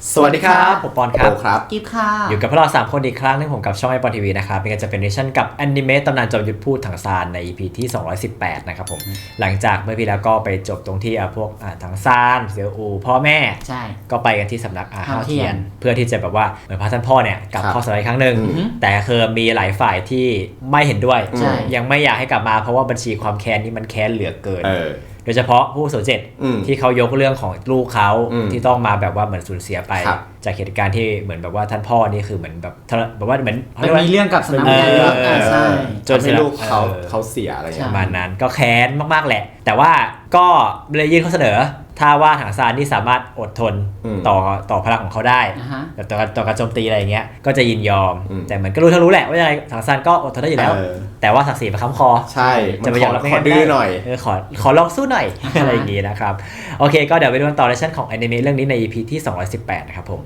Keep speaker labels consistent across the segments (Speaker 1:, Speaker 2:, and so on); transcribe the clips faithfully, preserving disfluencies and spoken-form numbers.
Speaker 1: สวัสดีครับผมปอนครับ
Speaker 2: ครับกิฟค่ะ
Speaker 1: อยู่กับพวกเราสามคนอีกครั้งนึงผมกับช่องไอปอนทีวีนะครับเป็นการจะเป็นเนชั่นกับแอนิเมตตำนานจอมยุทธพูดถังซานใน อี พี ที่สองร้อยสิบแปดนะครับผมหลังจากเมื่อพี่แล้วก็ไปจบตรงที่พวกถังซานเซียวอูพ่อแม่ใช่ก็ไปกันที่สำนักอาห้าวเทียนเพื่อที่จะแบบว่าเหมือนพระท่านพ่อเนี่ยกลับเข้าสำนักอีกครั้งหนึ่งแต่คือมีหลายฝ่ายที่ไม่เห็นด้วยยังไม่อยากให้กลับมาเพราะว่าบัญชีความแค้นนี้มันแค้นเหลือเกินโดยเฉพาะผู้สูญเจ็ดที่เขายกเรื่องของลูกเขาที่ต้องมาแบบว่าเหมือนสูญเสียไปจากเหตุการณ์ที่เหมือนแบบว่าท่านพ่อนี่คือเหมือนแบบแบบว่าเหมือน
Speaker 2: มีเรื่องกับสนามเยอะใช่
Speaker 3: จนลูกเขาเขาเสียอะไร
Speaker 1: ประมาณนั้นก็แค้นมากๆแหละแต่ว่าก็เลยยื่นข้อเสนอถ้าว่าถังซานนี่สามารถอดทนต่อต่อพลังของเขาได้แต่ต่อต่อการโจมตีอะไรอย่างเงี้ยก็จะยินยอมแต่เหมือนก็รู้ทั้งรู้แหละว่ายังไงถังซานก็อดทนได้อยู่แล้วแต่ว่าศักดิ์ศรีมันค้ำคอ
Speaker 3: ใช่
Speaker 1: จะไปยอมรับไม่ได้
Speaker 3: ดื้อหน่อย
Speaker 1: ขอขอลองสู้หน่อยอะไรอย่างงี้นะครับโอเคก็เดี๋ยวไปดูกันต่อในชั้นของแอนิเมะเรื่องนี้ใน อี พี ที่สองร้อยสิบแปดนะครับผม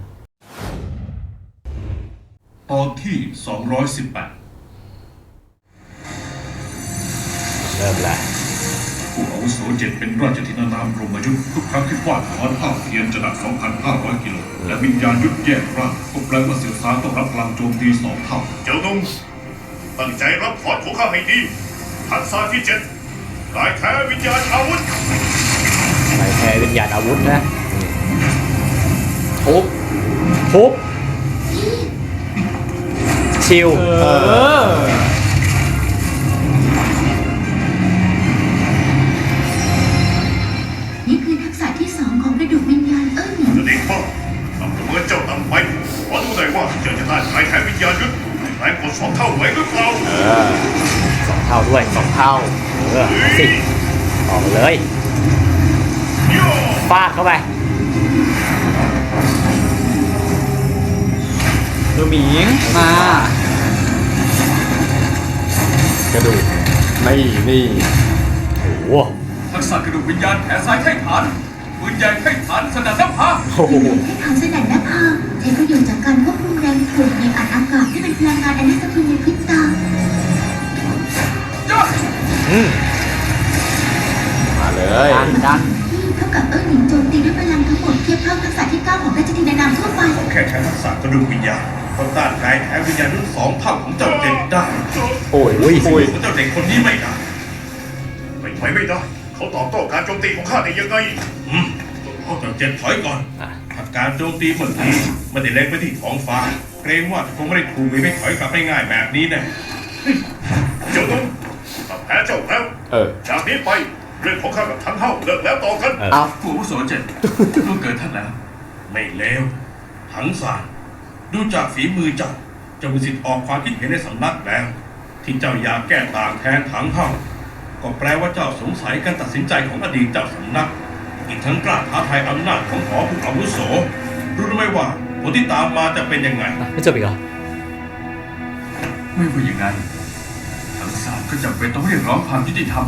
Speaker 4: ตอนที่สองร้อยสิบแปด
Speaker 1: เริ่มแล้ว
Speaker 4: ผู้อาวุโสเจ็ดเป็นราชธินานามกรมยุทธ์ทุกครั้งที่ฟาดถอนห้าวเทียนจะหนัก สองพันห้าร้อย กิโลและวิญญาณยุทธแยกร่างก็แปลว่าเสี่ยวซานต้องรับพลังโจมตีสองเท่าเจ้านุ่งตั้งใจรับถอนของข้าให้ดีทักษะที่เจ็ดลายแท้วิญญาณอาวุธ
Speaker 1: ลายแท้วิญญาณอาวุธนะ
Speaker 3: ทุบ
Speaker 1: ทุบชิลเออ
Speaker 5: นี่คือทักษะที่สองของกระดูกวิญญาณเอิ้น
Speaker 4: เด็กพ่อทำเมื่อเจ้าตำไปขอดูหน่อยว่าเจ้าจะต้านลายแท้วิญญาณยุทธแรงกดสองเท่าไหวหรือเปล่า
Speaker 1: เออสองเท่าด้วย
Speaker 3: สองเท่า
Speaker 1: เออสิต่อเลยฟาดเข้าไป
Speaker 2: ดูหมิงม
Speaker 3: ากระดูกไม่นี่
Speaker 1: โอ้โห
Speaker 4: ทักษะกระดูกวิญญาณแขนซ้ายไถ่ฐานปืนใหญ่ไถ่ฐานสนัดน้ำพา
Speaker 1: โอ้โห
Speaker 5: ไถ่ฐานสนัดน้ำพาใช้ประโยชน์จากการควบคุมแรงถ่วงในอัดอากาศที่เป็นพลังงานอันน่าสะเทือนในพริบตา
Speaker 1: อืม
Speaker 3: มาเลย
Speaker 2: ดันดัน
Speaker 5: เท่ากับเอิ้นหนิงโจมตีด้วยพลังทั้งหมดเทียบเท่าทักษะที่เก้าของราชธินานามทั่วไป
Speaker 4: แค่ใช้ทักษะกระดูกวิญญาณก็ต้านกายแท้วิญญาณรุ่นสองเท่าของเจ้าเด็กได้
Speaker 3: โอ้ยโอ้ยโอ้ย
Speaker 4: เจ้าเด็กคนนี้ไม่ได้ไม่ไหวไม่ได้เขาตอบโต้การโจมตีของข้าได้ยังไงอืมเขาจะเจ็บถอยก่อนถ้าการโจมตีเมื่อกี้ไม่ได้เล็งไปที่ท้องฟ้าเกรงว่าคงไม่ได้ถูกไม่ถอยกลับได้ง่ายแบบนี้แน่เจ้าต้องแพ้เจ้าแล้วจากนี้ไปเรื่องของข้ากับท่านเท่าเลิกแล้วต่อกัน
Speaker 3: เอา
Speaker 4: ผู้อาวุโสเจ็ดต้องเกิดท่านแล้วไม่เลวถังซานดูจากฝีมือเจ้าเจ้ามีสิทธิ์ออกความคิดเห็นในสำนักแล้วที่เจ้าอยากแก้ต่างแทนถังเท่าก็แปลว่าเจ้าสงสัยการตัดสินใจของอดีตเจ้าสำนักอีกทั้งกล้าท้าทายอำนาจของหอผู้อาวุโสรู้ไหมว่าผลที่ตามมาจะเป็นยังไง
Speaker 1: ไม่จบอีกเหรอ
Speaker 4: ไม่ว่าอย่างนั้นถังซานก็จำเป็นต้องเรียกร้องความยุติธรรม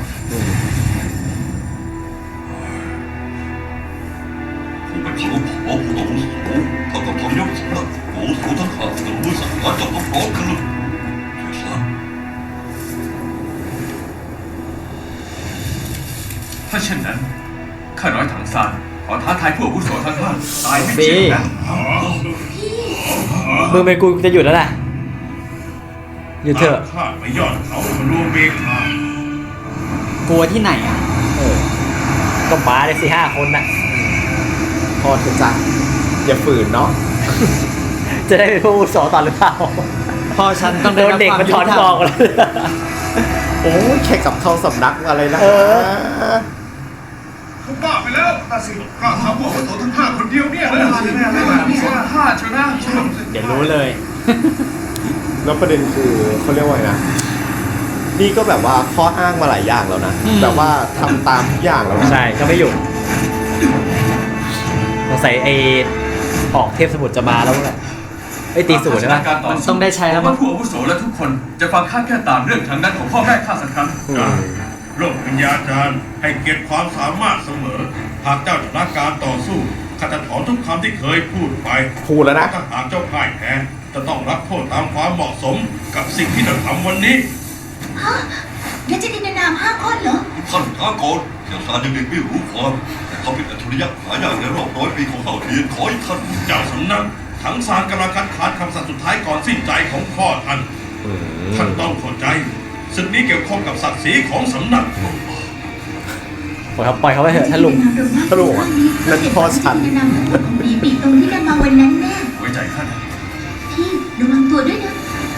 Speaker 6: ผมเป็นเขาขอผู้อาวุโสเท่ากับทำยศสำนักอาวุโสทั้งห้าจะรู้สังหารเจ้าพร้อมกันเลยเจ้าซาน
Speaker 4: ถ้าเช่นนั้นข้าน้อยถังซานขอท้าทายผู้อาวุโสทั้งห้าตายไม่เชื่อนะ
Speaker 1: มึงเป็นกูจะหยุดแล้วแหละหยุดเถอะ
Speaker 4: ข้าไปยอดเขารวมเบคาก
Speaker 2: ลัวที่ไหนอ่ะ
Speaker 1: เออก็มาได้สี่ห้าคนน่ะ
Speaker 3: พอเถอะจ้ะอย่าฝืนเนาะ
Speaker 1: จะได้เป็นผู้อาวุโสต่อหรือเปล่า
Speaker 2: พ่อฉันต้อง
Speaker 1: โดนเด็กมันถอนบอกเลย
Speaker 3: โอ้แค่กับเข้าสำนักอะไรนะ
Speaker 4: เขาบ้าไปแล้วตาสิกล้าทำพวกอาวุโสทั้งห้าคนเดียวเนี่ยเลยห้าชนะ
Speaker 1: เดี๋ยวรู้เลย
Speaker 3: แล้วประเด็นคือเขาเรียกว่าไงนะนี่ก็แบบว่าข้ออ้างมาหลายอย่างแล้วนะแต่ว่าทำตามทุกอย่างแล้ว
Speaker 1: ใช่ก็ไม่หยุดสงสัยไอ้ออกเทพสมุทรจะมาแล้วแหละไอ้ตีสูตรใช่ไหม
Speaker 2: มันต้องได้ใช้แล้วมั้ง
Speaker 4: ผู้อาวุโสและทุกคนจะฟังข้าแค่ตามเรื่องทางนั้นของพ่อแม่ข้าสักครั้งโลกวิญญาจารย์ให้เกียรติความสามารถเสมอหากเจ้าชนะการต่อสู้ข้าจะถอนทุกคำที่เคยพูดไป
Speaker 3: พูดแล้วนะ
Speaker 4: ถ้าหากเจ้าพ่ายแพ้จะต้องรับโทษตามความเหมาะสมกับสิ่งที่เราทำวันนี้
Speaker 5: ฮะราชธินานามห้าคนเหรอ
Speaker 6: ท่านท้าก่อนเสี่ยวซานยังเด็กไม่รู้ความแต่เขาเป็นอัจฉริยะหายากในรอบร้อยปีของเผ่าเทียนขอให้ท่าน
Speaker 4: เจ้าสำนักถังซานกำลังคัดค้านคำสั่งสุดท้ายก่อนสิ้นใจของพ่อท่าน
Speaker 3: อืม
Speaker 4: ท่านต้องเข้าใจศึกนี้เกี่ยวข้องกับศักดิ์ศรีของสำนัก
Speaker 1: ปล่อยเขาปล่อยเขาไปเถอะท่านลุง
Speaker 3: ท่านลุงบอกว่านั่นพ่อฉัน
Speaker 5: นำของปีปีตรงที่นำมาวันนั้นแน่
Speaker 4: ไว้ใจท่านนะ
Speaker 5: พี่ระวังตัวด้วยนะ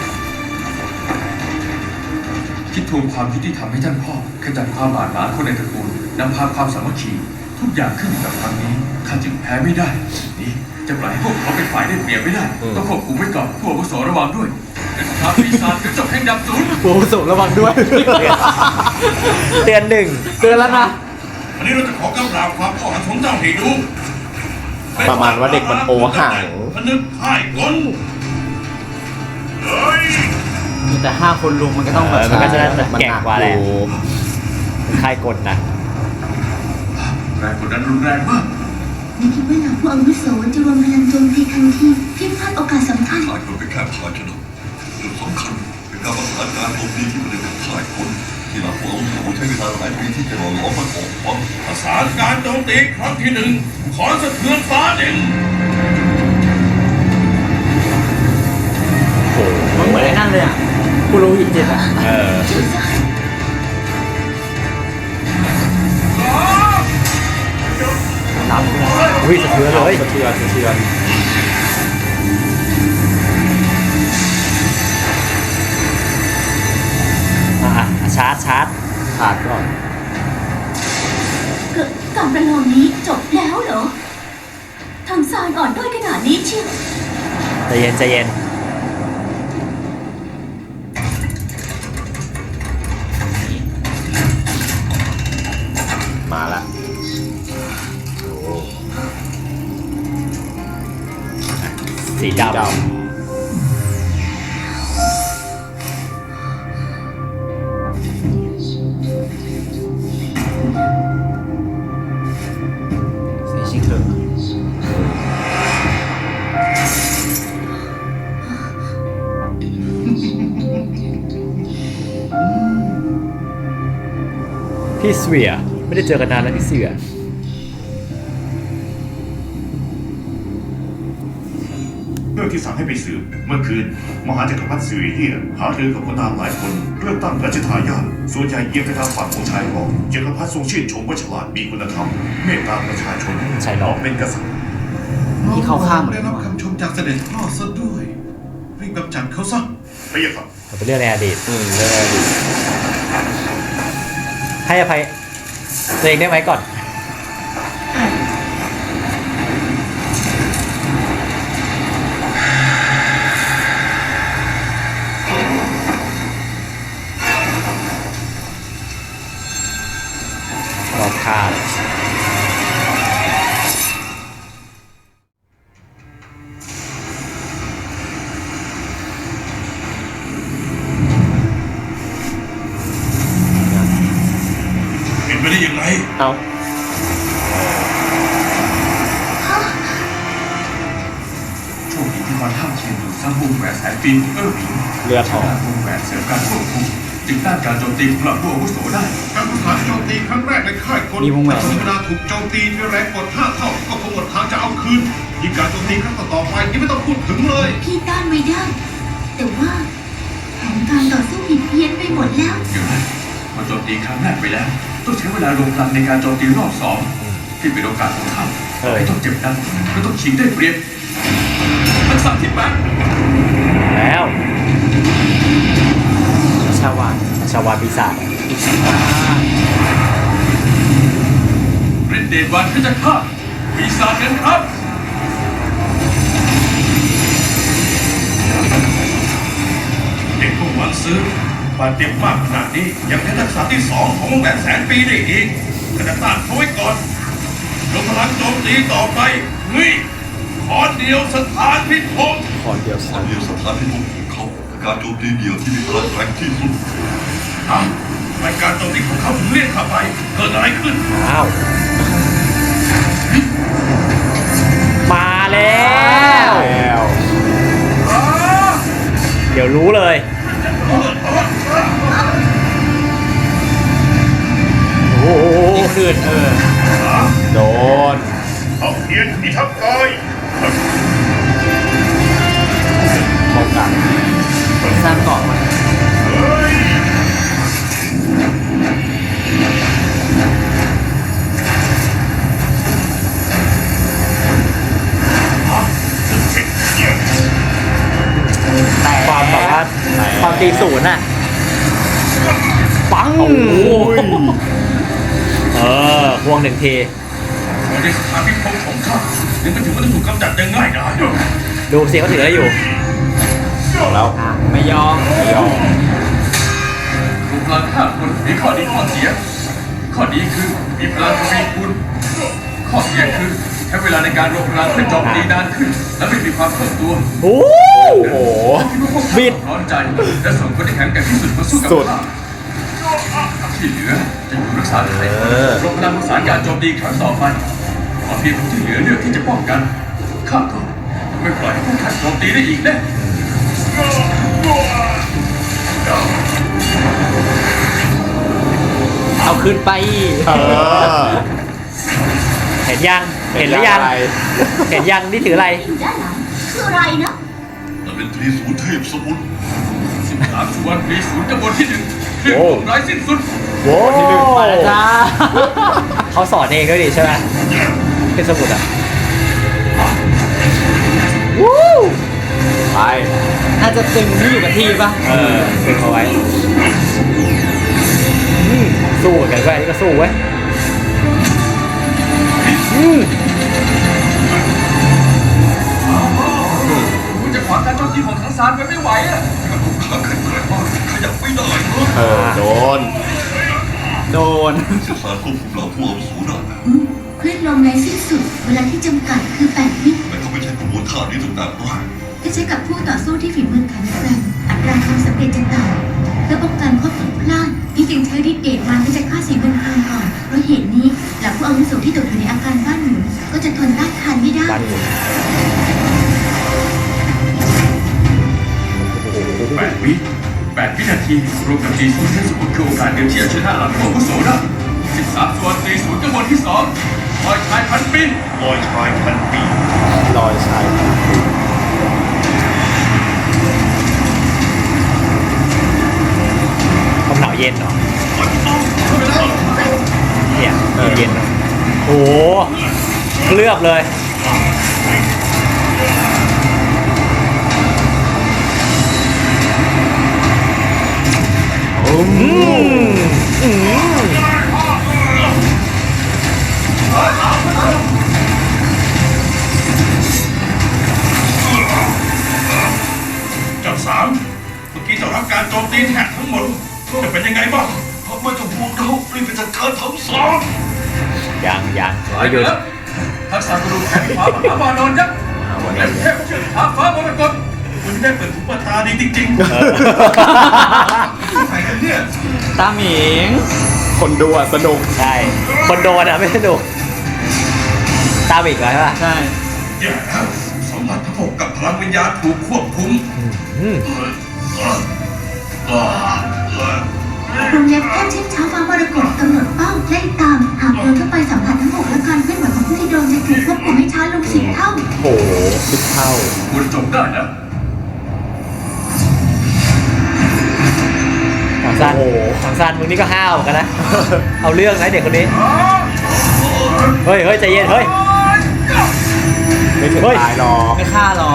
Speaker 7: คิดทวงความยุติธรรมให้ท่านพ่อขจัดความบาดหมางคนในตระกูลนำพาความสามัคคีทุกอย่างขึ้นอยู่กับครั้งนี้ข้าจึงแพ้ไม่ได้นี่จะปล่อยให้พวกเขาเป็นฝ่ายได้เปรียบไม่ได้
Speaker 3: อืม
Speaker 7: ต้องควบคุมไว้ก่อนผู้อาวุโสระวังด้วยเป็นสงครามปีศาจกระจกแห่งดับศูนย์
Speaker 2: โอ้สุระวังด้วย
Speaker 1: เตือนหนึ่ง
Speaker 2: เตือนแล้วนะ
Speaker 4: วันนี้เราจะขอกำราบความพ่อหันของเจ้าให้ดู
Speaker 3: ประมาณว่าเด็กมันโอห่าง
Speaker 4: พนึกพ่ายกลเฮ้ย
Speaker 2: มีแต่ห้าคนลุงมันก็ต้องแบบ
Speaker 1: เออมันก็จะได้
Speaker 3: มัน
Speaker 1: แก่ง
Speaker 3: หนัก
Speaker 1: กว่าแหละ
Speaker 3: อยู่
Speaker 1: ค่ายกดนะ
Speaker 7: แรงกดดันรุนแรงมาก
Speaker 5: ไม่คิดว่าเหล่าผู้อาวุโสจะรวมพลังโจมตีทันทีเพียงพลาดโอกาสสำคัญ
Speaker 6: ขายคนเป็นแค่ภาชนะจุดสำคัญเป็นการประสานการโจมตีที่ไม่ได้เป็นขายคนที่เราผู้อาวุโสใช้เวลาหลายปีที่จะหล่อหลอมมันออกความ
Speaker 4: ประสานการโจมตีครั้งที่หนึ่งขอสะเทือนฟ้าดิน
Speaker 2: มันเหมือนไอ้นั่นเลยอ่ะกูรู้หินเจ็ดอ่ะ
Speaker 1: เออ
Speaker 2: รับเลย
Speaker 1: อุ้ยสะเทือนเลย
Speaker 3: สะเทือนสะเทือน
Speaker 1: อ่ะอ่ะชาร์จชาร์จ
Speaker 3: ขาดก่อน
Speaker 5: เกิดการประลองนี้จบแล้วเหรอทางซานอ่อนด้อยขนาดนี้เชียว
Speaker 1: ใจเย็นใจเย็น
Speaker 3: มาละ
Speaker 1: สีด
Speaker 3: ด
Speaker 2: สีชิงเหลือง
Speaker 1: ำพี่เสวียไม่ได้เจอกันนานแล้วพี่เสวีย
Speaker 8: เรื่องที่สั่งให้ไปสืบเมื่อคืนมหาจักรพรรดิสิริเลียหารือกับคนนามหลายคนเรื่องตั้งราชทายาทส่วนใหญ่เอียงไปทางฝั่งของชายรองจักรพรรดิทรงชื่นชมว่าฉลาดมีคุณธรรมเมตตาประชาชน
Speaker 1: ชายรอง
Speaker 8: เป็นกษัตริย์
Speaker 2: ที่เข้าข้างเหมือน
Speaker 4: ได้
Speaker 2: กั
Speaker 4: รั
Speaker 2: น
Speaker 4: บ
Speaker 2: วะ
Speaker 4: คำชมจากเสด็จพ่อซะด้วยรีบกำจัดเขาซะ
Speaker 8: พระยาค่ะ
Speaker 1: มันเป็นเรื่องในอดีต
Speaker 3: ำอืมเรื่องอะไรดี
Speaker 1: ให้อภัยตัวเองได้ไหมก่อน รอบคาด
Speaker 4: เป็นไปได้ยังไง
Speaker 3: เอา
Speaker 7: โชคดีที่วันท่ามเทียนอยู่สร้างวงแหวนแสนปีของเออหมิง
Speaker 3: เลือดออก
Speaker 7: ใช้วงแหวนเสริมการควบคุมจึงต้านการโจมตีของเหล่าผู้อาวุโสได้
Speaker 4: การประสานโจมตีครั้งแรกในค่ายคน
Speaker 2: มีวงแหวน
Speaker 4: ถ้าเวลาถูกโจมตีด้วยแรงกดห้าเท่าก็คงหมดทางจะเอาคืนยิ่งการโจมตีครั้งต่อๆไปยังไม่ต้องพูดถึงเลย
Speaker 5: พี่ต้านไว้ได้ แต่ว่าแผนการต่อสู้ผิดเพี้ยนไปหมดแล้ว
Speaker 7: เดี๋ยวนะพอโจมตีครั้งแรกไปแล้ว ต้องใช้เวลาลงพลังในการโจมตีรอบสองที่เป็นโอกาสของท่าน
Speaker 1: เอ้ย
Speaker 7: ไม่ต้องเจ็บนักไม่ต้องชิงได้เปรียบทักษะที่แปด
Speaker 1: แล้ว
Speaker 2: ชาวาน
Speaker 1: ชาวาปีศาจ
Speaker 7: เรนเดนวันขึ้นจากข้าปีศาจกันครับ
Speaker 4: เด็กพวกมันซื้อบาดเจ็บมากขนาดนี้ยังเป็นทักษะที่สองของวงแหวนแสนปีได้อีกกระต้านเขาไว้ก่อนยกพลังโจมตีต่อไปเฮ้ยขอเดียวสถานพิภพ
Speaker 3: ขอเดียว
Speaker 6: ตอ
Speaker 3: สั้
Speaker 6: น
Speaker 3: น
Speaker 6: นี้สถานที่พบของเขาคือการโจมตีเดี่ยวที่มีพลังแรงที่สุด
Speaker 4: เอ้าทำไมการโจมตีของเขาถึงเรียกเข้าไปเกิดอะไรขึ้น
Speaker 1: อ้าว มาแล้ว
Speaker 3: แล้ว
Speaker 1: เดี๋ยวรู้เลย โอ้โห
Speaker 2: คืนเออ
Speaker 3: โดน
Speaker 8: เอาเพียนพิทักษ์กาย
Speaker 3: ป้องกัน
Speaker 2: สร้างเกาะมา
Speaker 8: เฮ้ย
Speaker 2: แต่
Speaker 1: ความแบบว่าความตีศูนย์อ่ะ ปัง
Speaker 3: โอ้ย
Speaker 1: เออพวงหนึ่งที
Speaker 4: เราได้สถานพิภพของข้ายังไม่ถึงว่าจะถูกกำจัดได้ง่ายดาย
Speaker 1: ดูสิเขาถืออะไรอยู่
Speaker 3: เอาแล้ว
Speaker 2: อ่ะไม่ยอม
Speaker 3: ไม่ยอม
Speaker 7: รวมพลังห้าคนมีข้อดีข้อเสีย ข้อดีคือมีพลังทวีคูณข้อเสียคือใช้เวลาในการรวมพลังเพื่อโจมตีนานขึ้น และไม่มีความคล่องตัว
Speaker 1: โอ้
Speaker 3: โอ้โห
Speaker 7: ที่พวกข้าร้อนใจและส่งคนที่แข็งแกร่งที่สุดมาสู้กับ
Speaker 3: สุด
Speaker 7: ข้าที่เหลือจะอยู่รักษาไทย
Speaker 3: เออ
Speaker 7: รวมพลังประสานการโจมตีครั้งต่อไปขอเพียงคนที่เหลือเลือกที่จะป้องกันข้าก็ไม่ปล่อยให้พวกท่านโจมตีได้อีกแน่
Speaker 2: เอาคืนไป
Speaker 3: เออ
Speaker 1: เห็นยัง เห็นหรือยัง
Speaker 3: อะไร
Speaker 1: เห็นยังนี่ถืออะไร
Speaker 5: อยู่ด้านหลังคืออะไรนะ
Speaker 6: นั่นเป็นตรีศูนย์เทพสมุทร
Speaker 7: สิบสามสุวรรณปีศูนย์จำนวนที่หนึ่งเรื่อง
Speaker 3: โอ้
Speaker 7: ของร้ายสิ้นสุด
Speaker 1: โว้
Speaker 3: ที่หนึ่ง
Speaker 2: มาแล้วจ้า
Speaker 1: เขาสอนเองด้วยดิใช่ไหมเป็นสมุดอ่ะวู้
Speaker 3: ไป
Speaker 2: น่าจะตึงที่อยู่กับที่ปะ
Speaker 1: เออเป็นเอาไว้อืมสู้เหมือนกันเว้ยอันนี้ก็สู้เว้ยอืม
Speaker 7: คุณจะขวางการโจมตีของทั้งสารไว้ไม่ไหวอะ
Speaker 6: ข้าแข็งแกร่งมากขยับไม่ได้นะ
Speaker 3: เออ โดน
Speaker 2: โดน
Speaker 6: เสียสารควบคุมเหล่าผู้อาวุโสได้
Speaker 5: อืมคลื่นลมในสิ้นสุด เวลาที่จำกัดคือแปดวิ
Speaker 6: ทำไมเขาไม่ใช้กระบวนท่านี้ตั้งแต่แรก
Speaker 5: ถ้าใช้กับผู้ต่อสู้ที่ฝีมือแข็งแกร่งอัตราความสำเร็จจะต่ำเพื่อป้องกันข้อผิดพลาดที่จึงใช้ฤทธิ์เดชมันที่จะฆ่าสิ่งเป็นพลังก่อนเพราะเหตุนี้เหล่าผู้อาวุโสที่ตกอยู่ในอาการบ้านหมุนก็จะทนต้านทานไม่ได้
Speaker 1: บ้านหมุน
Speaker 7: แปดวิแปดวินาทีรวมกับจีศูนย์เทพสมุทรคือโอกาสเดียวที่จะชนะหลังของผู้โสได้สิบสามส่วนตีศูนย์จำนวนที่สองคอยชายพันปี
Speaker 8: ลอยชายพันปี
Speaker 3: ลอยชาย
Speaker 1: ความหนาวเย็นเหรอเนี่ยเย็นๆเนอะโอ้โหเคลือบเลย อืมอืม
Speaker 4: เจ้าสามเมื่อกี้เจ้ารับการโจมตีแท็กทั้งหมดจะเป็นยังไงบ้าง
Speaker 6: ไม่ต้องห่วงเรารีบไปจัดการทั้งสอง
Speaker 1: ยังยัง
Speaker 7: หาย
Speaker 1: หยุด
Speaker 7: แล้วทักษะกระดูกแข็งฟ้ามหามานอนยักษ์และเทพเชือกท้าฟ้ามรกต
Speaker 4: คุณได้เปิดหูเปิดตาดีจริง
Speaker 8: ใครกันเนี่ย
Speaker 2: ตาหมิง
Speaker 3: คนดูอ่ะสนุก
Speaker 1: ใช่ คนโดนอ่ะไม่สนุกตามอีกแล้วใช่ป่ะ
Speaker 2: ใช่
Speaker 4: ๆอย่าแล้วสมบัติพระพกกับพลังวิญญาณถูกควบคุม
Speaker 1: อืม
Speaker 5: โรงเรียนแพทย์เช่นเช้าฟ้ามรกตกำหนดเป้าไล่ตาม หากโดนเข้าไปสัมผัสทั้งหกและการเคลื่อนไหวของผู้ที่โดนจะถูกควบคุมให้ช้าลงสิบเท่า
Speaker 3: โหสิบเท่า
Speaker 7: ควรจบได้นะ
Speaker 1: ทางซาน
Speaker 3: โอ้โห
Speaker 1: ทางซานมึงนี่ก็ห้าวเหมือนกันนะ เอาเรื่องนะเด็กคนนี้ เฮ้ยเฮ้ยใจเย็น เฮ้ย
Speaker 3: ไม่ถึง
Speaker 1: เฮ้ย
Speaker 3: ตายหรอก
Speaker 2: ไม่ฆ่าหรอก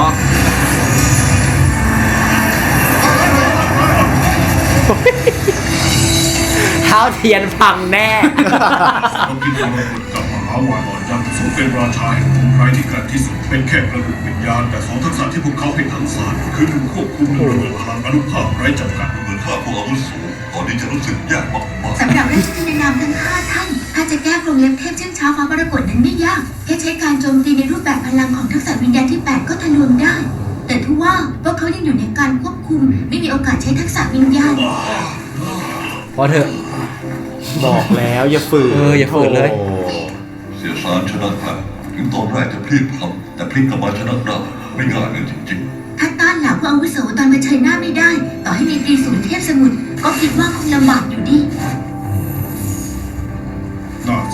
Speaker 1: เท้าเทียนพังแน่
Speaker 4: เรากินมรกตกับมหาวานอนยักษ์สมเป็นราชาแห่งภูมิไรที่แกร่งที่สุดเป็นแค่กระดูกวิญญาณแต่สองทักษะที่พวกเขาเป็นทั้งสารคือหนึ่งควบคุมหนึ่งระเบิดพลังอนุภาพไร้จำกัด
Speaker 6: เหมือนข้าผู้อาวุโสตอนนี้จะรู้สึกแย่มาก
Speaker 5: สำหรับราชธินานามทั้งห้าท่าน ถ้าจะแก้กรงเล็บเทพเช่นเช้าฟ้ามรกตนั้นไม่ยาก แค่ใช้การโจมตีในรูปแบบพลังของทักษะวิญญาณที่แปดก็ทะลวงได้ แต่ทว่าพวกเขายังอยู่ในการควบคุม ไม่มีโอกาสใช้ทักษะวิญญาณ
Speaker 1: พอเถอะ
Speaker 3: บอกแล้วอย่าฝืน
Speaker 1: เอออย่าฝืนเลย
Speaker 3: โอ้
Speaker 6: ๆเสียสารชนะแพ้ถึงตอนแรกจะพลิกพลับแต่พลิกกลับมาชนะได้ไม่ง่ายเลยจริง
Speaker 5: ถ้าต้านเหล่าผู้อาวุโสตอนเผชิญหน้าไม่ได้ ต่อให้มีตรีศูนย์เทพสมุทรก็คิดว่าคงลำบากอยู่ดี
Speaker 4: น่า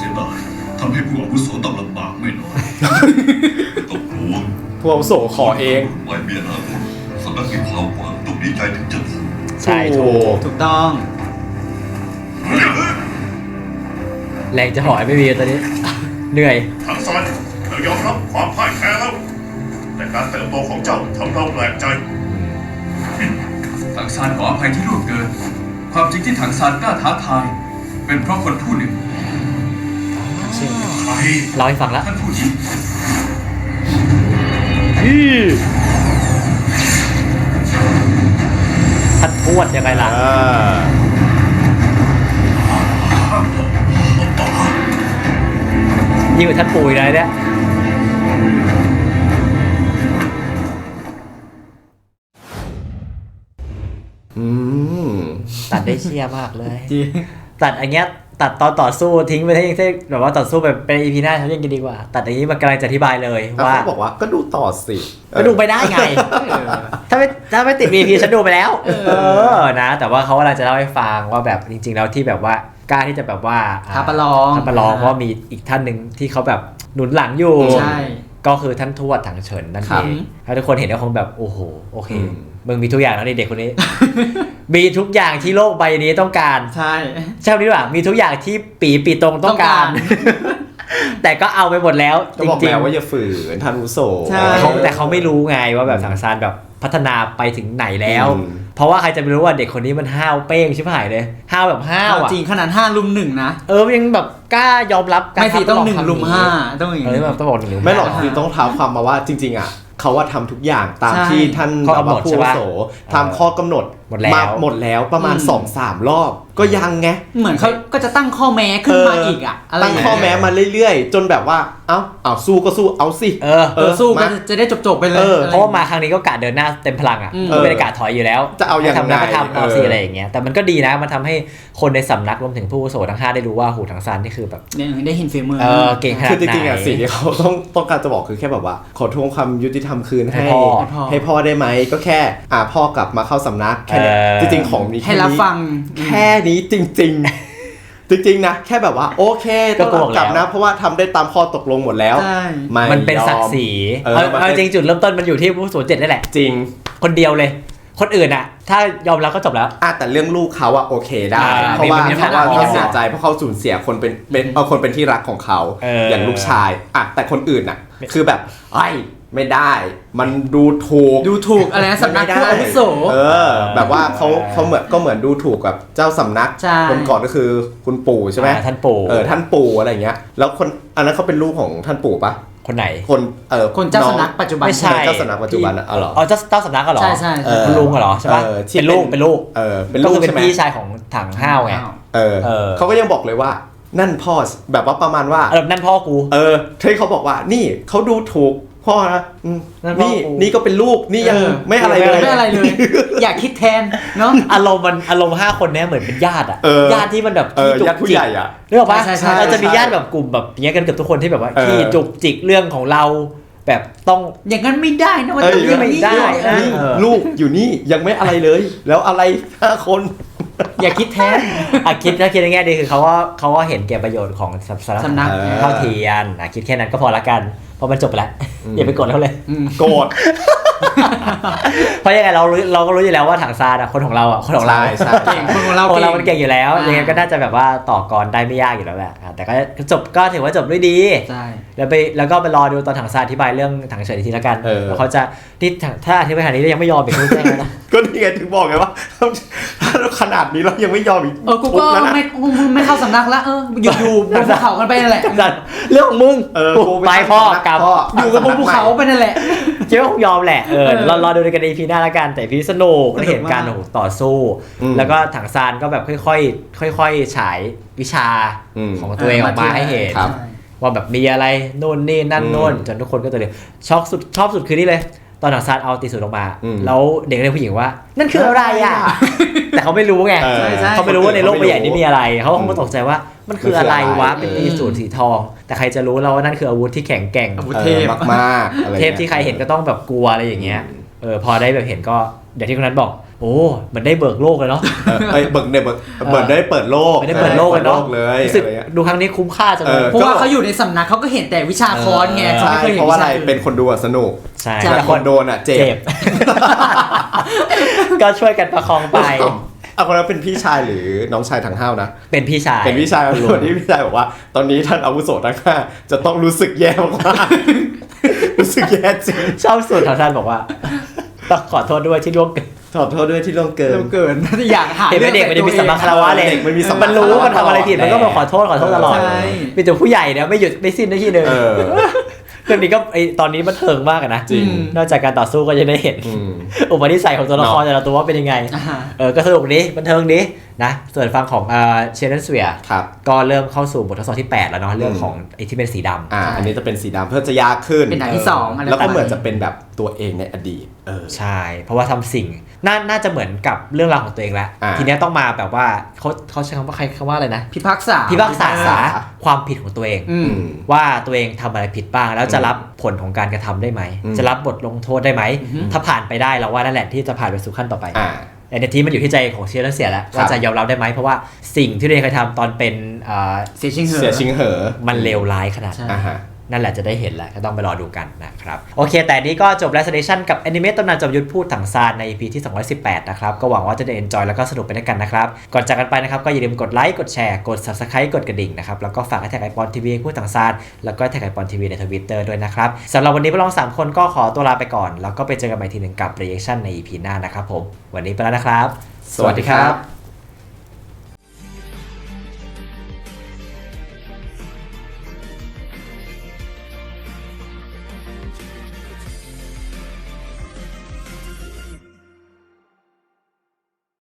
Speaker 6: ผู้อาวุโสต้องลำบากไม่น้อยต้องห่วง
Speaker 3: ผู้อาวุโสขอเอง
Speaker 6: ไว้เมียนาคตสำนักมีความหวังต้องดีใจถึงจะถูก
Speaker 1: ใช่ถูก
Speaker 2: ถูกต้อง
Speaker 1: แรงจะหอยไม่มีตอนนี้ เหนื่อย
Speaker 8: ทั้งซานเรายอมรับความพ่ายแพ้แล้ว แต่การเติบโตของเจ้าทำเราแปลกใจ
Speaker 7: ถังซานขออภัยที่ล่วงเกิน ความจริงที่ถังซานกล้าท้าทาย เป็นเพราะคนผู้หนึ่ง
Speaker 8: ใคร
Speaker 1: เราให้ฟังแล้ว
Speaker 7: ท่านผู้หญิง
Speaker 1: ท่านทวดยังไงล่ะ
Speaker 3: อ่า
Speaker 1: ยิ่งกว่าท่านปู่อีกเลยเนี่ย
Speaker 3: อืม
Speaker 1: ตัดได้เชียร์มากเลย
Speaker 2: จริง
Speaker 1: ตัดอันเนี้ยตัดตอนต่อสู้ทิ้งไปให้ยังแบบว่าต่อสู้แบบเป็นอีพีหน้าเขายังจะดีกว่า ตัดอย่างนี้มันกำลังจะอธิบายเลย
Speaker 3: แล้ว
Speaker 1: ว่า
Speaker 3: เขาบอกว่าก็ดูต่อสิ
Speaker 1: ก็ดูไปได้ไง ถ้าไม่ถ้าไม่ติด วี พี ฉันดูไปแล้ว เออนะ แต่ว่าเขากำลังจะเล่าให้ฟังว่าแบบจริง ๆ แล้วที่แบบว่ากล้าที่จะแบบว่า
Speaker 2: ท้าประลอง
Speaker 1: ท้าประลองเพราะว่ามีอีกท่านหนึ่งที่เขาแบบหนุนหลังอยู่
Speaker 2: ใช่
Speaker 1: ก็คือท่านทวดถังเฉินนั่น
Speaker 2: ครั
Speaker 1: เอบ งถ้าทุกคนเห็นก็คงแบบโอ้โหโอเค
Speaker 3: อืม
Speaker 1: มึงมีทุกอย่างแล้วนี่เด็กคนนี้ มีทุกอย่างที่โลกใบนี้ต้องการ
Speaker 2: ใช่
Speaker 1: ใช่ไหมดีกว่ามีทุกอย่างที่ปีปีตรงต้องการ
Speaker 2: ต้องก
Speaker 1: แต่ก็เอาไปหมดแล้ว
Speaker 3: ก็
Speaker 1: จ
Speaker 3: บอก
Speaker 1: ริง
Speaker 3: แล้วว่าอย่าฝืนท่านอาวุโส
Speaker 2: ใช่
Speaker 1: ๆเขาแต่เขาไม่รู้ไงว่าแบบถังซานแบบพัฒนาไปถึงไหนแล้ว
Speaker 3: อืม
Speaker 1: เพราะว่าใครจะไปรู้ว่าเด็กคนนี้มันห้าวเป้งชิบหายเลยห้าวแบบห้าวอ่ะ
Speaker 2: จริงขนาดห้าลุมหนึ่งนะ
Speaker 1: เออมันยังแบบกล้ายอมรับการ
Speaker 2: ไม่สิ
Speaker 1: ทำ
Speaker 2: ต้อง
Speaker 1: ล
Speaker 2: หนึ่ง
Speaker 1: ทำ
Speaker 2: ลุมห้าต้องอย่าง
Speaker 1: เออ
Speaker 2: นี้
Speaker 1: แบบต้องบอกหนึ่งลุม
Speaker 3: ไม่หรอก
Speaker 1: ห้า
Speaker 3: คือต้องเท้าความมาว่าจริง ๆ อ่ะเขาว่าทำทุกอย่างตาม
Speaker 2: ใช่
Speaker 3: ที่ท่าน
Speaker 1: ข้อกำหนด
Speaker 3: ผู้
Speaker 1: ใช่
Speaker 3: อาวุ
Speaker 1: ปะ
Speaker 3: โสทำข้อกำหนด
Speaker 1: หมดแล้ว
Speaker 3: าหมดแล้วประมาณ
Speaker 2: อืม
Speaker 3: สองสามรอบก็ยังไง
Speaker 2: เหมือนเขาก็จะตั้งข้อแม้ขึ้นมาอีกอ่ะอะไร
Speaker 3: ตั้งข้อแม้มาเรื่อยๆ จนแบบว่าเอ้าเอาสู้ก็สู้เอาสิ
Speaker 1: เออ
Speaker 2: เออสู้ก็
Speaker 3: มา
Speaker 2: จะได้จบๆไปเลย
Speaker 3: เออ
Speaker 2: อไ
Speaker 1: เพราะว่ามาครั้งนี้ก็กะเดินหน้าเต็มพลังอ่ะ
Speaker 2: อืม
Speaker 1: ก็ไม่ได้กะถอยอยู่แล้ว
Speaker 3: จะเอายังไง
Speaker 1: ทำแล้วก็ทำเอา
Speaker 3: เออ
Speaker 1: สิอะไรอย่างเงี้ยแต่มันก็ดีนะมันทำให้คนในสำนักรวมถึงผู้อาวุโสทั้งห้าได้รู้ว่าหูถังซานนี่คือแบบ
Speaker 2: เนี่ยได้เห็นฝีมือ
Speaker 1: เออเก่งขนาด
Speaker 3: คือจริงๆ
Speaker 1: ไหน
Speaker 3: อ่ะสิ่งที่เขาต้องต้องการจะบอกคือแค่แบบว่า ขอทวงความยุติธรรมคืน
Speaker 1: ให้
Speaker 3: ให้
Speaker 1: พ่อ
Speaker 3: ให้พ่อได้ไหมก็แค่อ่าพ่อกลับมาเข้าสำนักแค่นี้
Speaker 1: เออ
Speaker 3: จริงๆของนี้
Speaker 2: ให้รับฟัง
Speaker 3: แค่นี้จริง ๆ จริงๆนะแค่แบบว่าโอเคต้อง
Speaker 1: ก็บอก
Speaker 3: กลับ
Speaker 1: แล้
Speaker 3: นะ
Speaker 1: ว
Speaker 3: เพราะว่าทำได้ตามข้อตกลงหมดแล้ว
Speaker 2: ใช่
Speaker 3: ไม่
Speaker 1: มันเป็น
Speaker 3: ยอ
Speaker 1: ศักดิ์ศรี
Speaker 3: เออ
Speaker 1: เอา
Speaker 3: มัน
Speaker 1: เอา
Speaker 3: เป็น
Speaker 1: จริงจุดเริ่มต้นมันอยู่ที่ผู้สูญเจ็ดนี่แหละ
Speaker 3: จริง
Speaker 1: คนเดียวเลย คนอื่นอ่ะ ถ้ายอมรับก็จบแล้ว
Speaker 3: อ่ะแต่เรื่องลูกเขาอะโอเคได้
Speaker 1: อ่า
Speaker 3: เพราะว่า
Speaker 1: มีมี
Speaker 3: เพราะว่า
Speaker 1: มี
Speaker 3: เขาเสียใจเพราะเขาสูญเสียคนเป็นเป็นเอาคนเป็นที่รักของเขา
Speaker 1: เอออ
Speaker 3: อย่างลูกชายอ่ะแต่คนอื่นอะคือแบบไอ้ยไม่ได้ มันดูถูก
Speaker 2: ดูถูกอะไรนะสำนักผู้อาวุโส
Speaker 3: เออ แบบว่าเขาเขาเหมือนก็เหมือนดูถูกกับเจ้าสำนัก
Speaker 2: ใช่
Speaker 3: คนก่อนก็คือคุณปู่ใช่ไหม
Speaker 1: อ่าท่านปู่
Speaker 3: เออท่านปู่อะไรอย่างเงี้ย แล้วคนอันนั้นเขาเป็นลูกของท่านปู่ปะ
Speaker 1: คนไหน
Speaker 3: คนเออ
Speaker 2: คนเจ้า
Speaker 3: อง
Speaker 2: สำนักปัจจุบัน
Speaker 1: ไม่ใช่
Speaker 3: เจ้าสำนักปัจจุบันอะอ๋อเหรอ
Speaker 1: อ๋อเจ้าเจ้าสำนักก็เหรอ
Speaker 2: ใช่ใช่
Speaker 3: เออ
Speaker 1: คุณลุงเหรอใช่ปะ
Speaker 3: เออที่
Speaker 1: เป็นลูก
Speaker 3: เป็น
Speaker 1: เป็นลูก
Speaker 3: เออเป็น
Speaker 1: ก็
Speaker 3: ลู
Speaker 1: คื
Speaker 3: ก
Speaker 1: อเป็น
Speaker 3: ใช่ไหม
Speaker 1: พี่ชายของถังห้าวไง
Speaker 3: เออ
Speaker 1: เออ
Speaker 3: เขาก็ยังบอกเลยว่า นั่นพ่อแบบว่าประมาณว่า
Speaker 1: เออนั่นพ่อกู
Speaker 3: เออที่เขาบอกว่านี่เขาดูถูกพ่อนะอืม
Speaker 1: นั่นพ่อ
Speaker 3: นี่
Speaker 1: กู
Speaker 3: นี่ก็เป็นลูกนี่ยัง
Speaker 2: เออ
Speaker 3: ไม่อะไรเลย
Speaker 2: ไม่อะไรเลย อยากคิดแทนเนาะ
Speaker 1: อารมณ์มันอารมณ์ห้าคนเนี้ยเหมือนเป็นญาติอ่ะ
Speaker 3: เออ
Speaker 1: ญาติที่มันแบบ
Speaker 3: เออ
Speaker 1: ขี้จุก
Speaker 3: ญาติผู้
Speaker 1: จิก
Speaker 3: ใหญ่อ่ะ
Speaker 1: นึกออกปะ
Speaker 2: ใช่ใช่
Speaker 1: เราจะมี
Speaker 3: ใช่
Speaker 1: ญาติแบบกลุ่มแบบอย่างเงี้ยกันเกือบทุกคนที่แบบว่า
Speaker 3: เออ
Speaker 1: ขี้จุกจิกเรื่องของเราแบบต้อง
Speaker 2: อย่างนั้นไม่ได้นะมัน
Speaker 3: เอ้ย
Speaker 2: ต้อง
Speaker 1: ไม่ได้นะ
Speaker 3: นี่
Speaker 1: เออ
Speaker 3: ลูกอยู่นี่ยังไม่อะไรเลย แล้วอะไรห้าคน
Speaker 2: อย่าคิดแทน
Speaker 1: อ่ะคิดถ้าคิดในแง่ดีคือเขาว่าเขาว่าเห็นแก่ประโยชน์ของสำ
Speaker 2: สำนัก
Speaker 1: เท่าเทียนอ่ะคิดแค่นั้นก็พอละกันเพราะมันจบไปแล้ว
Speaker 3: อืม
Speaker 1: อย่าไปกดเขาเลย
Speaker 2: อืม
Speaker 3: โกรธ
Speaker 1: เพราะยังไงเรารู้เราก็รู้อยู่แล้วว่าถังซานอ่ะคนของเราอ่ะคนของเรา
Speaker 3: ใช่ใช่
Speaker 2: เก่งคนของเรา
Speaker 1: คน
Speaker 2: เก่ง
Speaker 1: เรามันเก่งอยู่แล้ว
Speaker 2: อ่ายั
Speaker 1: ยังไงก็น่าจะแบบว่าต่อกรได้ไม่ยากอยู่แล้วแหละอ่ะแต่ก็จบก็ถือว่าจบด้วยดี
Speaker 2: ใช่
Speaker 1: แล้วไปแล้วก็ไปรอดูตอนถังซานอธิบายเรื่องถังเฉินอีกทีละกัน
Speaker 3: เออ
Speaker 1: แล้วเขาจะที่ถังถ้าอธิบายขนาดนี้ยังไม่ยอมอีกคุณแจ้งแล้วนะ
Speaker 3: ก็นี่ไงถึงบอกไงว่าถ้าขนาดนี้เรายังไม่ยอมอีก
Speaker 2: เออกู
Speaker 3: ทุ
Speaker 2: ก็
Speaker 3: บแล้วนะ
Speaker 2: ไม่กูไม่เข้าสำนักละเอออยู่อยู่บนภูเขากันไปนั่นแหละ
Speaker 1: เรื่องของมึง
Speaker 3: เออกู
Speaker 1: ไป
Speaker 3: ตั้ง
Speaker 1: พ่อ
Speaker 3: สำนั
Speaker 1: กลับ
Speaker 3: พ่อ
Speaker 2: อยู่กับบนภูเขาไปนั่นแหละ
Speaker 1: คิดว่าคงยอมแหละเออ
Speaker 2: เออ
Speaker 1: รอรอดูกันใน อี พี หน้าละกันแต่พี่สนุก
Speaker 2: สนุก
Speaker 1: ได้เห็นการ
Speaker 2: มาก
Speaker 1: โอ้โหต่อสู้
Speaker 3: อืม
Speaker 1: แล้วก็ถังซานก็แบบค่อยๆค่อยๆฉายวิชา
Speaker 3: อืม
Speaker 1: ของตัวเองออกมาให้เห็น
Speaker 3: ครับ
Speaker 1: ว่าแบบมีอะไรโน่นนี่นั่น
Speaker 3: อืม
Speaker 1: โน่นจนทุกคนก็ตัวเลยช็อกสุดชอบสุดคือนี่เลย ตอนถังซานเอาตีสูตรออกมา
Speaker 3: อืม
Speaker 1: แล้วเด็กเรียกผู้หญิงว่า นั่นคืออะไรอ่ะ แต่เขาไม่รู้ไง
Speaker 3: เออ
Speaker 2: ใช่ใช่
Speaker 1: เขาไม่รู้ว่าในโลกใบใหญ่นี้มีอะไรเขาคงตกใจว่ามันคืออะไรวะ
Speaker 3: มันคืออะไร
Speaker 1: เป็นตีสูตรสีทอง แต่ใครจะรู้เราว่านั่นคืออาวุธที่แข็งแกร่ง
Speaker 2: อาวุธ
Speaker 3: เอ
Speaker 2: เท
Speaker 3: อ
Speaker 2: พ
Speaker 3: มากๆอะไร
Speaker 1: เทพที่ใครเห็นก็ต้องแบบกลัวอะไรอย่างเงี้ย เออพอได้แบบเห็นก็อย่างที่คนนั้นบอกโอ้เหมือนได้เบิกโลกเลยเนาะ
Speaker 3: เออไอ้เบิร์กเนี่ยเบิร์กเบิร์กได้เปิดโลก
Speaker 1: ไม่ได้เปิดโลกเลยเนาะ
Speaker 3: เลย
Speaker 1: รู้สึก
Speaker 3: อะไรเงี้ย
Speaker 1: ดูครั้งนี้คุ้มค่าจังเลย
Speaker 3: เออ
Speaker 2: เพราะว่าเขาอยู่ในสำนักเขาก็เห็นแต่วิชาคอนไงเขา
Speaker 3: ใช่
Speaker 2: ไม่เคยเห็น
Speaker 3: เพราะว่า
Speaker 2: วิ
Speaker 3: อะไร
Speaker 2: ชาอื่น
Speaker 3: เป็นคนดูอะสนุก
Speaker 1: ใช่
Speaker 3: แต่คนโดนอ่ะเจ็
Speaker 1: เจ็
Speaker 3: บ
Speaker 1: บ ก็ช่วยกันประคองไป
Speaker 3: เอาคนนั้นเป็นพี่ชายหรือน้องชายทางห้าวนะ
Speaker 1: เป็นพี่ชาย
Speaker 3: เป็นพี่ชายคนที่พี่ชายบอกว่า ตอนนี้ท่านอาวุโสทั้งห้าจะต้องรู้สึกแย่มากๆ รู้สึกแย่จริง
Speaker 1: ชอบสูตรของท่านบอกว่าต้องขอโทษด้วยที่ล่วงเกิน
Speaker 3: ขอโทษด้วยที่ล่วงเกิน
Speaker 2: เร็วเกินอยากหา
Speaker 1: เห็นไหมเด็กมันจะมีสัมมาคารวะเลย
Speaker 3: เด็กมันมีสัมมา
Speaker 1: มันรู้ว่ามันทำอะไรผิดมันก็มาขอโทษขอโทษตลอด
Speaker 2: ใช่
Speaker 1: มีแต่ผู้ใหญ่เนี่ยไม่หยุดไม่สิ้นนาทีหนึ่ง
Speaker 3: เออ
Speaker 1: เรื่องนี้ก็ไอตอนนี้มันเทิงมากอะนะ
Speaker 3: จริง
Speaker 1: นอกจากการต่อสู้ก็จะได้เห็น
Speaker 3: อืม
Speaker 1: อุปนิสัยของตัวละคร
Speaker 3: เนาะ
Speaker 1: แต่ละตัวว่าเป็นยังไง
Speaker 2: อ่าฮะ
Speaker 1: เออก็สนุกดีบันเทิงดีนะส่วนฟังของเอ่อเชนเนสเวีย
Speaker 3: ครับ
Speaker 1: ก็เริ่มเข้าสู่บททดสอบที่แปดแล้วเนาะเรื่องของไอที่เป็นสีดำ
Speaker 3: อ่า อันนี้จะเป็นสีดำเพื่อจะยากขึ้น
Speaker 2: เป็นหนังที่สองอะไร
Speaker 3: แล้วก็
Speaker 2: ประมาณ
Speaker 3: เหมือนจะเป็นแบบตัวเองในอดีต เออ
Speaker 1: ใช่ เพราะว่าทำสิ่งน่าน่าจะเหมือนกับเรื่องราวของตัวเองแล้ว
Speaker 3: อ่า
Speaker 1: ทีเนี้ยต้องมาแบบว่าเขาเขาใช้คำว่าใครคำว่าอะไรนะ
Speaker 2: พิพากษา
Speaker 1: พิพากษาความผิดของตัวเอง
Speaker 2: อืม
Speaker 1: ว่าตัวเองทำอะไรผิดบ้างแล้วจะรับผลของการกระทำได้ไหม
Speaker 3: อืม
Speaker 1: จะรับบทลงโทษได้ไหม ถ้าผ่านไปได้เราว่านั่นแหละที่จะผ่านไปสู่ขั้นต่อไป
Speaker 3: อ่า
Speaker 1: แต่ในทีมันอยู่ที่ใจของเชียร์และเสียแล้ว
Speaker 3: ครับ
Speaker 1: ว่าจะยอมรับได้ไหมเพราะว่าสิ่งที่ตัวเองเคยทำตอนเป็นเอ่อ
Speaker 2: เสียชิงเหอะ
Speaker 3: เสียชิงเหอ
Speaker 1: มันเลวร้ายขนาดไหน
Speaker 2: ใช่
Speaker 3: อ่าฮะ
Speaker 1: นั่นแหละจะได้เห็นแหละก็ต้องไปรอดูกันนะครับโอเคแต่นี้ก็จบ Restoration กับ Anime ตำนานจอมยุทธพูดถังซานใน อี พี ที่สองร้อยสิบแปดนะครับก็หวังว่าจะได้ enjoy แล้วก็สนุกไปด้วยกันนะครับก่อนจากกันไปนะครับก็อย่าลืมกดไลค์กดแชร์กด Subscribe กดกระดิ่งนะครับแล้วก็ฝากแท็กไอปอนทีวีพูดถังซานแล้วก็แท็กไอปอนทีวีใน Twitter ด้วยนะครับสำหรับวันนี้พวกเราสามคนก็ขอตัวลาไปก่อนแล้วก็ไปเจอกันใหม่ทีหนึ่งกับ reaction ใน อี พี หน้านะครับผมวันนี้ไปแล้วนะครับ
Speaker 3: สวัสดีครับ